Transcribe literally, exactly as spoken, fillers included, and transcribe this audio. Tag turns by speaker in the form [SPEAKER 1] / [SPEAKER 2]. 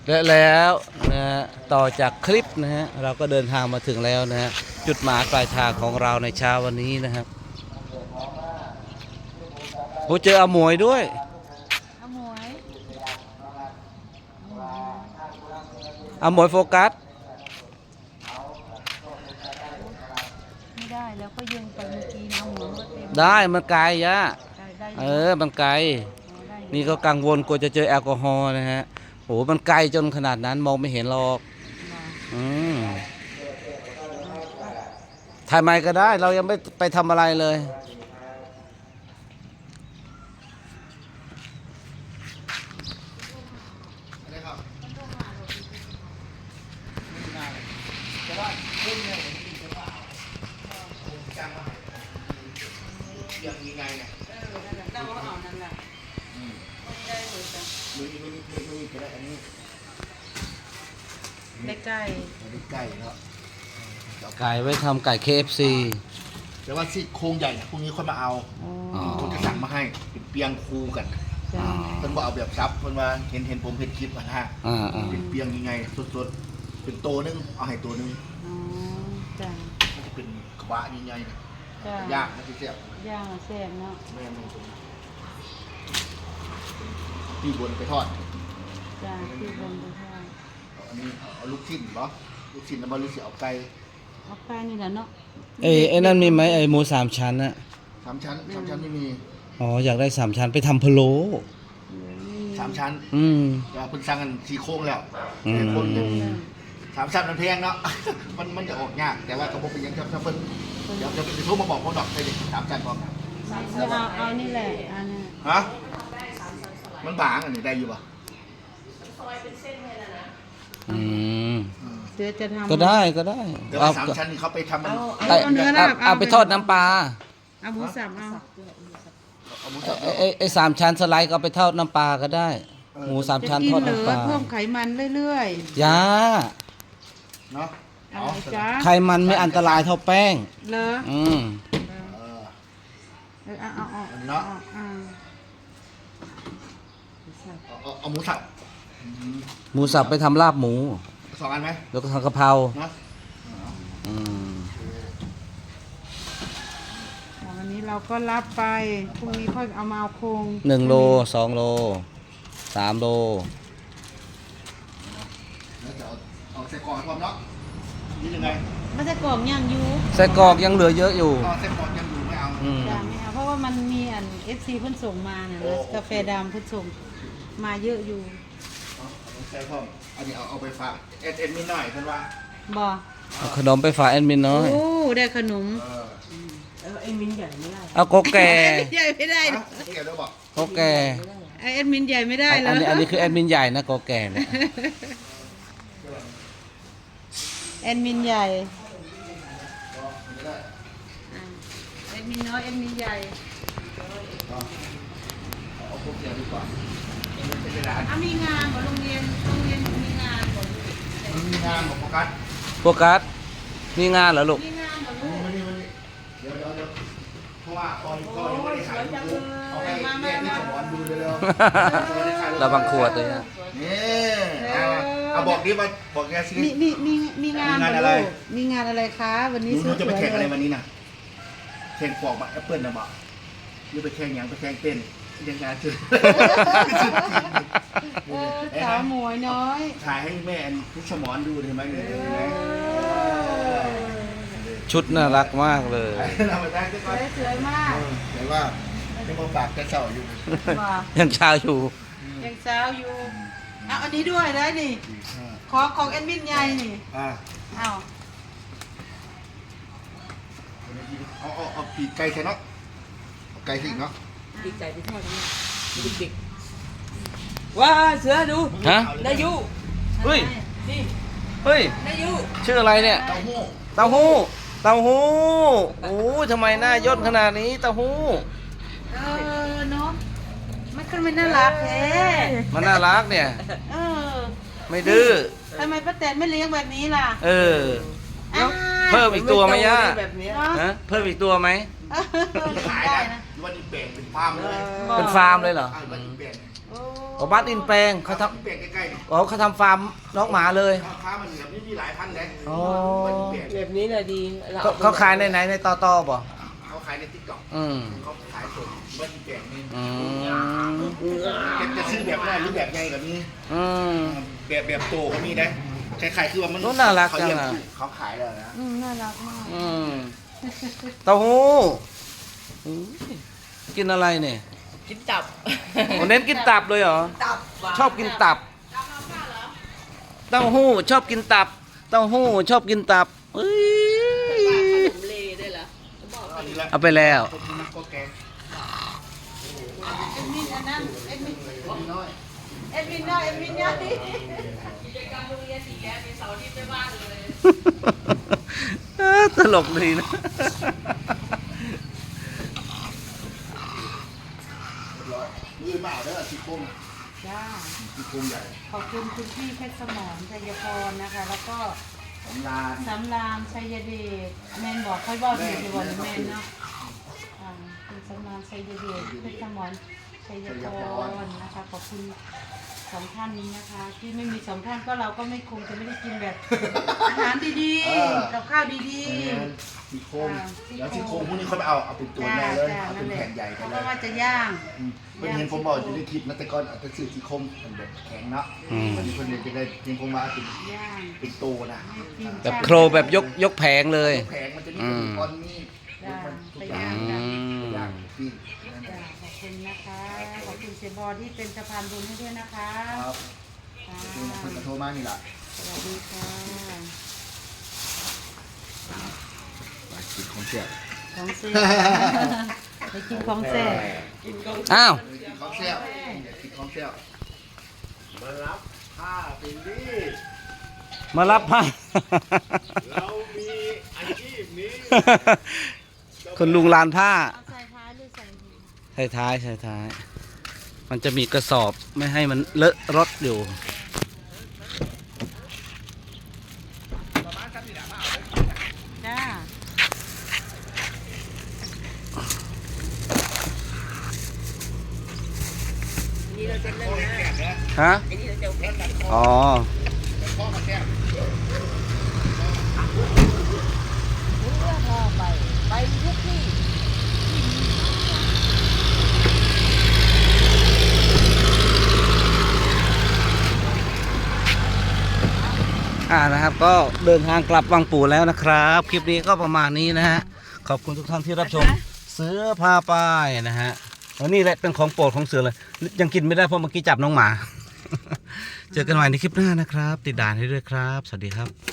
[SPEAKER 1] และแล้วนะฮะต่อจากคลิปนะฮะเราก็เดินทางมาถึงแล้วนะฮะจุดหมายปลายทางของเราในเช้าวันนี้นะครับโอ้เจออาหมวยด้วย
[SPEAKER 2] อาหมวย
[SPEAKER 1] อาหมวยโฟกัส
[SPEAKER 2] ไม่ได้แล้วก็ยิงไปเมื่อกี้นะหมวยก็เต็ม
[SPEAKER 1] ได้มันไกลยะ
[SPEAKER 2] ได้ได้
[SPEAKER 1] เออมันไกลนี่ก็กังวลกลัวจะเจอแอลกอฮอล์นะฮะโหมันไกลจนขนาดนั้นมองไม่เห็นหรอกอืมถ่ายไมค์ก็ได้เรายังไม่ไปทำอะไรเลย
[SPEAKER 3] ยังมีไงเนี่ย
[SPEAKER 2] เราเอานั่นแหละได้เลยจ้ะ
[SPEAKER 3] มือมือมือมือก็ได้อันนี้
[SPEAKER 2] ได้ใกล้
[SPEAKER 3] อันนี้ไก่แล้ว
[SPEAKER 1] ไก่ไว้ทำไก่ เค เอฟ ซี
[SPEAKER 3] แต่ว่าซี่โครงใหญ่พรุ่งนี้ค่อยมาเอาคนจะสั่งมาให้เป็นเปียงคูกันเพิ่นบอกเอาแบบซับเพิ่นว่าเห็นเห็นผมเห็นคลิปอ่ะฮะเป็นเปียงยังไงสดๆเป็นโตนึงเอาให้ตัวนึง
[SPEAKER 2] อ๋อจ้ะ
[SPEAKER 3] มันจะเป็นกระบะใหญ่ๆย่างนะพี่เสี่ยบ
[SPEAKER 2] ย่างแซ่บเนาะ
[SPEAKER 3] แม่นตรงปีบนไปทอด
[SPEAKER 2] จ้ะปีบนไปทอด
[SPEAKER 3] อันนี้เอาลูกชิ้นเหรอลูกชิ้นแล้วมาลูกเสียเอาไก่
[SPEAKER 2] เอาไก่นี่แหละเนาะ
[SPEAKER 1] เอ้ไอ้นั่นมีไหมไอ้หมูสามชั้นอะ
[SPEAKER 3] สามชั้นสามชั้นไม่มี
[SPEAKER 1] อ๋ออยากได้สามชั้นไปทำพะโล้
[SPEAKER 3] สามชั้น
[SPEAKER 1] อืม
[SPEAKER 3] จะเพิ่งสั่งกันสี่โค้งแล้ว
[SPEAKER 1] อืม
[SPEAKER 3] คนหนึ่งสามชั้นมันแพงเนาะ มันมันจะออกยากแต่ว่ากระบอกเป็นยังจะจะเพิ่นเดี๋ยวจะไปโทรมาบอกพวกดอกใส่เด็กสามชั้นพร้อม
[SPEAKER 2] เอาเอานี่แหละอันนี้
[SPEAKER 3] ฮะมันบางอันนี้ได้อยู่ป่ะ
[SPEAKER 1] อืม
[SPEAKER 2] เดี๋ยวจะทำ
[SPEAKER 1] ก็ได้ก็ได้
[SPEAKER 3] แต่ว่าสามชั้นนี่เขาไปทำมัน
[SPEAKER 2] เอาเนื้อลาบ
[SPEAKER 1] เอาไปทอดน้ำปลา
[SPEAKER 2] เอาหมูสับเอา
[SPEAKER 1] ไอ้ไอ้สามชั้นสไลด์ก็ไปทอดน้ำปลาก็ได้หมูสามชั้นทอดน้ำปลา
[SPEAKER 2] เพิ่มไขมันเรื่อย
[SPEAKER 1] ๆยา
[SPEAKER 3] เนาะ
[SPEAKER 2] อะไรจ๊ะ
[SPEAKER 1] ไขมันไม่อันตรายเท่าแป้ง
[SPEAKER 2] เหรอ
[SPEAKER 1] อืม
[SPEAKER 2] เออเอาเอาเอา
[SPEAKER 3] เนาะเอาหมูสับ
[SPEAKER 1] หมูสับไปทำลาบหมู
[SPEAKER 3] สองอันไหม
[SPEAKER 1] แล้วก็ทำกะเพราอืม
[SPEAKER 2] วันนี้เราก็รับไปพรุ่งนี้ค่อยเอามาเอาโครง
[SPEAKER 1] หนึ่งโลสองโลสามโล
[SPEAKER 3] แล้วจะเอาเอาใส่กล่องความเนาะนี่ยังไง
[SPEAKER 2] ไม่ใช่กล่องย่างยู
[SPEAKER 1] ใส่กรอกยังเหลือเยอะอยู่
[SPEAKER 3] ใส่กล่องยังอยู่ไม่เอา
[SPEAKER 2] จะไม่เอาเพราะว่ามันมีอันเอฟซีเพิ่นส่งมาเนี่ยกาแฟดำเพิ่นส่งมาเยอะอยู่
[SPEAKER 3] ใส่พ่ออันนี้เอาเอาไปฝากเอ็ดเอ็ดมินหน่อยเพื่อนว่า
[SPEAKER 2] บ่
[SPEAKER 1] เอาขนมไปฝากแอดมินน้อย
[SPEAKER 2] โอ้ได้ขนม
[SPEAKER 4] เออแอดมินใหญ่ไม่ได้
[SPEAKER 1] เอาโกแก่
[SPEAKER 2] ใหญ่ไม่ได้
[SPEAKER 3] เกี่ยวด้วยบอก
[SPEAKER 1] โกแก่
[SPEAKER 2] แอดมินใหญ่ไม่ได้
[SPEAKER 1] แล้วอันนี้อันนี้คือแอดมินใหญ่นะโกแก่เนี่ย
[SPEAKER 2] แอดมินใหญ่แอดมินน้อยแอดมินใหญ่
[SPEAKER 3] เอาพวกเกี่ยวดีกว่า
[SPEAKER 2] อ่ะมีงานบ่โรงเรียนโรงเรียนมีงานบ่
[SPEAKER 3] มีงานของโฟกัส
[SPEAKER 1] โฟกัสมีงานเหรอลูก
[SPEAKER 2] มีงานบ่ลูก
[SPEAKER 3] เดี๋ยวเดี๋ยวเดี๋ยวเพราะว่าตอนก็ยังไม่ได้ขายดูเอาให้แม่ที่สมอนดูเร็ว
[SPEAKER 1] ๆเราบังขวดเลยนะ
[SPEAKER 3] นี่เอาบอกดิว่าบอกแกสิ
[SPEAKER 2] มีมีมีมีงานอะไรมีงานอะไรคะวันนี้
[SPEAKER 3] ซื้อจะไปแข่งอะไรวันนี้น่ะแข่งปอกแอปเปิ้ลนะบอกยืไปแข่งยังไปแข่งเต้นยังงานชื่อ
[SPEAKER 2] สาวหมวยน้อย
[SPEAKER 3] ถ่ายให้แม่ทุกสมอนดูเห็นไหมเนี่ย
[SPEAKER 1] ชุดน่ารักมากเลย
[SPEAKER 3] เราไปได้ก็
[SPEAKER 2] สวยมาก
[SPEAKER 3] แต่ว่าไม่มาฝากแกเช้าอยู่
[SPEAKER 1] ยังเช้าอยู่
[SPEAKER 2] ยังเช้าอยู่เอาอันนี้ด้วยได้นี่ขอของแอดมินใหญ่นี่เอา
[SPEAKER 3] เอาเอาเอาปีกไก่ใส่เนาะไก่สิเนาะ
[SPEAKER 4] ปีกไก่ไปทอดนี่เด็กๆว้าเสือดู
[SPEAKER 1] ฮะ
[SPEAKER 4] ได้ยู
[SPEAKER 1] เฮ้ย
[SPEAKER 4] นี่
[SPEAKER 1] เฮ้ย
[SPEAKER 4] ได้ยู
[SPEAKER 1] ชื่ออะไรเนี่ย
[SPEAKER 3] เต้าหู้
[SPEAKER 1] เต้าหู้เต้าหู้โอ้ทำไมหน้าย่นขนาดนี้เต้าหู้
[SPEAKER 2] เออเนาะมันก็ไม่น่ารักแท้
[SPEAKER 1] มันน่ารักเนี่ย
[SPEAKER 2] เออ
[SPEAKER 1] ไม่ดื้อ
[SPEAKER 2] ทำไมป้าแตนไม่เลี้ยงแบบนี้ล่ะ
[SPEAKER 1] เออเพิ่มอีกตัวไหมย่าฮะเพิ่มอีกตัวไหม
[SPEAKER 3] ขายนะวันนี้แบ่งเป็นฟาร์มเลย
[SPEAKER 1] เป็นฟาร์มเลยเหรอ
[SPEAKER 2] โอ้
[SPEAKER 1] อ๋อบ้านอินแปลงเขาท
[SPEAKER 3] เปลี่ยนใกล้ๆนี่
[SPEAKER 1] ำอ๋อเขาทำฟาร์มน้องหมาเลย
[SPEAKER 3] ราคามันแบบนี้มีหลายพันเลย
[SPEAKER 1] อ๋อ
[SPEAKER 3] เปลี่ยน
[SPEAKER 4] แบบนี้แหละดีร
[SPEAKER 1] เขาเขาขายในไหนในตอตอบ่
[SPEAKER 3] เขาขายในติ๊กต็อก
[SPEAKER 1] อืม
[SPEAKER 3] เขาขายส่งบ้านเปลี่ยนนี่
[SPEAKER 1] อืม
[SPEAKER 3] จะซื้อแบบน้อยหรือแบบใหญ่กับนี้
[SPEAKER 1] อืม
[SPEAKER 3] แบบแบบโตก็มีนะคล้ายๆคือว่ามัน
[SPEAKER 1] โอ้น่ารัก
[SPEAKER 3] เขาเลี้ยง
[SPEAKER 1] จังอะ
[SPEAKER 3] เขาขายแล้วนะ
[SPEAKER 2] อืมน่ารักมาก
[SPEAKER 1] อืมเต้าหู้อืมกินอะไรเนี่ย
[SPEAKER 4] กินตับ
[SPEAKER 1] โอ้เน้นกินตับเลยเหรอ
[SPEAKER 4] ตับ
[SPEAKER 1] ชอบกินตับ เต้าหู้ชอบกินตับ เต้าหู้ชอบกินตับเอ้ย
[SPEAKER 4] ขนมเลได้เหรอบอก
[SPEAKER 3] อันนี้ละ
[SPEAKER 1] เอาไปแล้ว
[SPEAKER 3] พวกนี้ก็แกง
[SPEAKER 2] เอ็ดมินอันนั้นเอ็ดมิน
[SPEAKER 3] น้อย
[SPEAKER 2] เอ็ดมินน้อยเอ็ดมินใหญ่
[SPEAKER 4] กิจกรรมโรงเรียนสีแดงมีเสาร์อาที่ไม่ว่างเลย
[SPEAKER 1] เออตลกดีนะ
[SPEAKER 3] เรียบร้อยมือเปล่าเด้อสีโค้ง
[SPEAKER 2] จ้า
[SPEAKER 3] สีโค้งใหญ่
[SPEAKER 2] ขอบคุณคุณพี่เพชรสมรชัยพรนะคะ แล้วก็
[SPEAKER 3] สำราน
[SPEAKER 2] สำรามชัยเดชแมนบอกค่อยบอกอยู่ที่วันแมนเนาะอ่าคุณสำรามชัยเดชเพชรสมรชัยพรนะคะขอบคุณสองท่านนี้นะคะ ที่ไม่มีสองท่านก็เราก็ไม่คงจะไม่ได้กินแบบ อาหารดีๆกับข้าวดี
[SPEAKER 3] สีโค้ง
[SPEAKER 2] อ่า
[SPEAKER 3] แล้วสีโค้งพวกนี้เขาไปเอาเอาเป็น
[SPEAKER 2] ๆ
[SPEAKER 3] ตัว
[SPEAKER 2] จ้า
[SPEAKER 3] แน่เลย
[SPEAKER 2] จ้า
[SPEAKER 3] เอา
[SPEAKER 2] นั่
[SPEAKER 3] เป็น น
[SPEAKER 2] แหละ
[SPEAKER 3] แผ่นใหญ่ไป
[SPEAKER 2] เขา
[SPEAKER 3] เล
[SPEAKER 2] ก็
[SPEAKER 3] ย
[SPEAKER 2] ว่าจะย่าง
[SPEAKER 3] อืมเพื่อนเห็นผมบอกอยู่ในคลิปนะแต่ก่อนเอาแต่สื่อสีโค้งมันแบบแข็งเนาะ
[SPEAKER 1] อืม
[SPEAKER 3] วันนี้เพื่อนเลยจะได้เห็นผมว่าเป็น
[SPEAKER 2] ย่าง
[SPEAKER 3] เป็นโตนะ
[SPEAKER 2] ให้กิน
[SPEAKER 1] แบบโครแบบยกยกแผงเลย
[SPEAKER 3] แผงมันจะมี
[SPEAKER 1] อืม
[SPEAKER 3] ก้อนมีด
[SPEAKER 2] จ้า
[SPEAKER 3] มันทุ
[SPEAKER 2] ไป
[SPEAKER 3] กอย่าง
[SPEAKER 2] ย่าง
[SPEAKER 1] อื
[SPEAKER 2] กัน
[SPEAKER 1] ม
[SPEAKER 3] ย่างปิ้ง
[SPEAKER 2] จ้าขอบคุณนะคะ ขอบคุณเซบอที่เป็นสะพานบุญให้ด้วยนะคะ
[SPEAKER 3] ครับ
[SPEAKER 2] ค่ะ
[SPEAKER 3] เพื่อนก็โทรมานี่แหละ
[SPEAKER 2] สวัสดีค่ะ
[SPEAKER 3] ไปกินของแซ่บ
[SPEAKER 2] ของเซ่ไปกินของแซ่บ
[SPEAKER 1] อ้าว
[SPEAKER 3] กินของแซ่บอยากกินของแซ่บมารับผ้าเป็นนี่
[SPEAKER 1] มารับผ้า
[SPEAKER 3] เรามีอาชีพนี้
[SPEAKER 1] คนลุงลานผ้า
[SPEAKER 2] เอาใส่ท้ายหรือใส่หัว
[SPEAKER 1] ใส่ท้ายใส่ท้าย มันจะมีกระสอบไม่ให้มันเลอะรถอยู่
[SPEAKER 2] จ้า
[SPEAKER 4] นี่เราจะเล่นนะ
[SPEAKER 1] ฮะ
[SPEAKER 4] ไอ้นี่เราจะเล่นกัน
[SPEAKER 1] อ๋อ
[SPEAKER 3] พ่อมาแซ่บ
[SPEAKER 4] พอไป ไปทุกที่
[SPEAKER 1] อ่านะครับ ก็เดินทางกลับวังปู่แล้วนะครับ คลิปนี้ก็ประมาณนี้นะฮะ ขอบคุณทุกท่านที่รับชม เสือพาไปนะฮะแล้วนี่แหละเป็นของโปรดของเสือเลย ยังกินไม่ได้เพราะเมื่อกี้จับน้องหมา เจอกันใหม่ในคลิปหน้านะครับ ติดด่านให้ด้วยครับ สวัสดีครับ